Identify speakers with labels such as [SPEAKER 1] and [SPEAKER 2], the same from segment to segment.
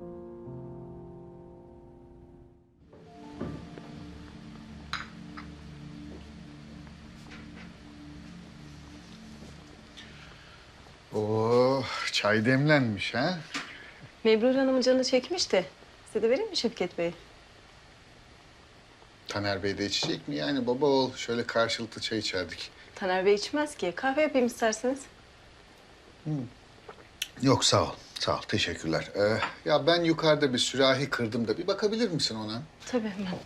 [SPEAKER 1] Oo, çay demlenmiş ha?
[SPEAKER 2] Mebrur Hanım'ın canı çekmiş de. Size de vereyim mi Şevket Bey?
[SPEAKER 1] Taner Bey de içecek mi? Yani baba oğul şöyle karşılıklı çay içerdik.
[SPEAKER 2] Taner Bey içmez ki. Kahve yapayım isterseniz.
[SPEAKER 1] Yok sağ ol. Sağ ol. Teşekkürler. Ya ben yukarıda bir sürahi kırdım da bir bakabilir misin ona?
[SPEAKER 2] Tabii hemen.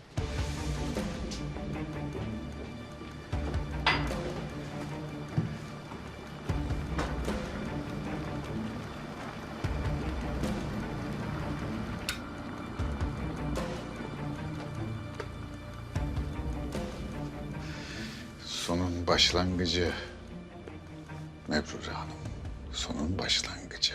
[SPEAKER 1] Sonun başlangıcı. Mebrure Hanım. Sonun başlangıcı.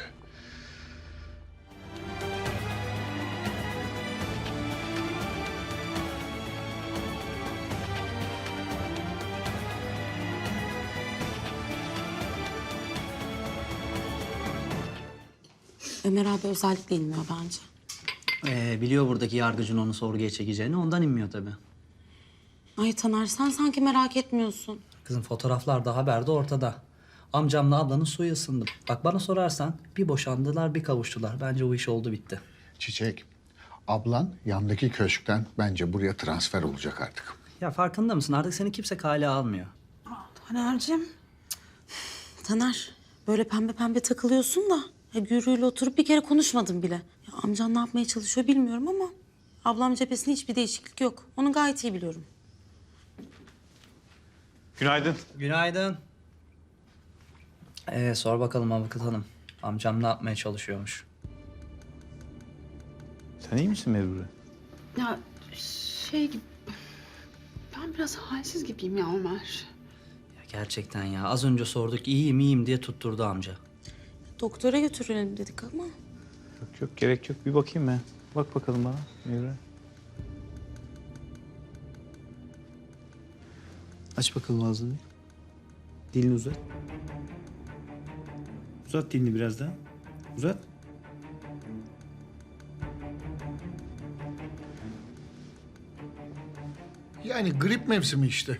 [SPEAKER 3] Ömer abi özellikle inmiyor bence.
[SPEAKER 4] Biliyor buradaki yargıcın onu sorguya çekeceğini, ondan inmiyor tabii.
[SPEAKER 3] Ay Taner sen sanki merak etmiyorsun.
[SPEAKER 4] Kızım fotoğraflar da haberde ortada. Amcamla ablanın suyu ısındı. Bak bana sorarsan bir boşandılar bir kavuştular. Bence o iş oldu bitti.
[SPEAKER 1] Çiçek, ablan yandaki köşkten bence buraya transfer olacak artık.
[SPEAKER 4] Ya farkında mısın? Artık seni kimse kale almıyor.
[SPEAKER 3] Taner'cim. Taner böyle pembe pembe takılıyorsun da. Gürü'yle oturup bir kere konuşmadım bile. Ya, amcan ne yapmaya çalışıyor bilmiyorum ama... ablam cephesinde hiçbir değişiklik yok. Onu gayet iyi biliyorum.
[SPEAKER 5] Günaydın.
[SPEAKER 4] Günaydın. Sor bakalım avukat hanım. Amcam ne yapmaya çalışıyormuş?
[SPEAKER 5] Sen iyi misin Mebrure?
[SPEAKER 6] Ya ben biraz halsiz gibiyim ya Ömer.
[SPEAKER 4] Ya gerçekten ya. Az önce sorduk iyiyim diye tutturdu amca.
[SPEAKER 3] Doktora götürelim dedik ama...
[SPEAKER 5] Yok gerek yok. Bir bakayım ben. Bak bakalım bana Mebrure. Aç bakalım ağzını. Dilini uzat. Uzat dilini biraz daha. Uzat.
[SPEAKER 1] Yani grip mevsimi işte.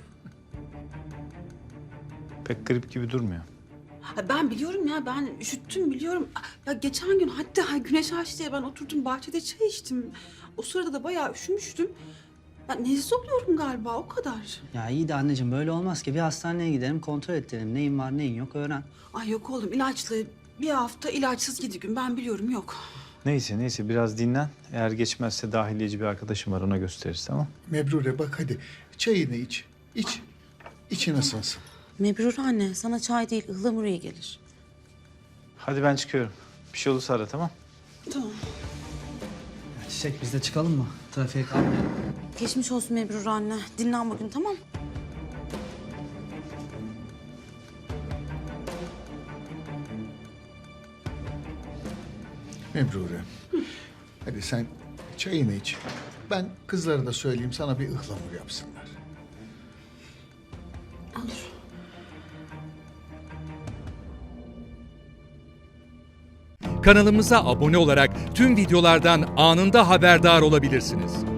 [SPEAKER 5] Pek grip gibi durmuyor.
[SPEAKER 6] Ben biliyorum ya, ben üşüttüm biliyorum. Ya geçen gün hatta güneş açtı diye ben oturdum bahçede çay içtim. O sırada da bayağı üşümüştüm. Ben nezle oluyorum galiba, o kadar.
[SPEAKER 4] Ya iyi de anneciğim böyle olmaz ki. Bir hastaneye gidelim kontrol edelim. Neyin var neyin yok öğren.
[SPEAKER 6] Ay yok oğlum, ilaçlı bir hafta ilaçsız 7 gün, ben biliyorum yok.
[SPEAKER 5] Neyse biraz dinlen. Eğer geçmezse dahiliyeci bir arkadaşım var, ona gösteririz, tamam?
[SPEAKER 1] Mebrure bak hadi çayını iç. İç. İçin ısınsın.
[SPEAKER 3] Mebrur anne sana çay değil ıhlamur iyi gelir.
[SPEAKER 5] Hadi ben çıkıyorum. Bir şey olursa ara, tamam?
[SPEAKER 6] Tamam.
[SPEAKER 4] Ya Çiçek biz de çıkalım mı? Trafiğe kalmayalım.
[SPEAKER 3] Geçmiş olsun Mebrur anne. Dinlen bugün tamam.
[SPEAKER 1] Mebrure. Hadi sen çayını iç. Ben kızlara da söyleyeyim sana bir ıhlamur yapsınlar.
[SPEAKER 6] Olur.
[SPEAKER 7] Kanalımıza abone olarak tüm videolardan anında haberdar olabilirsiniz.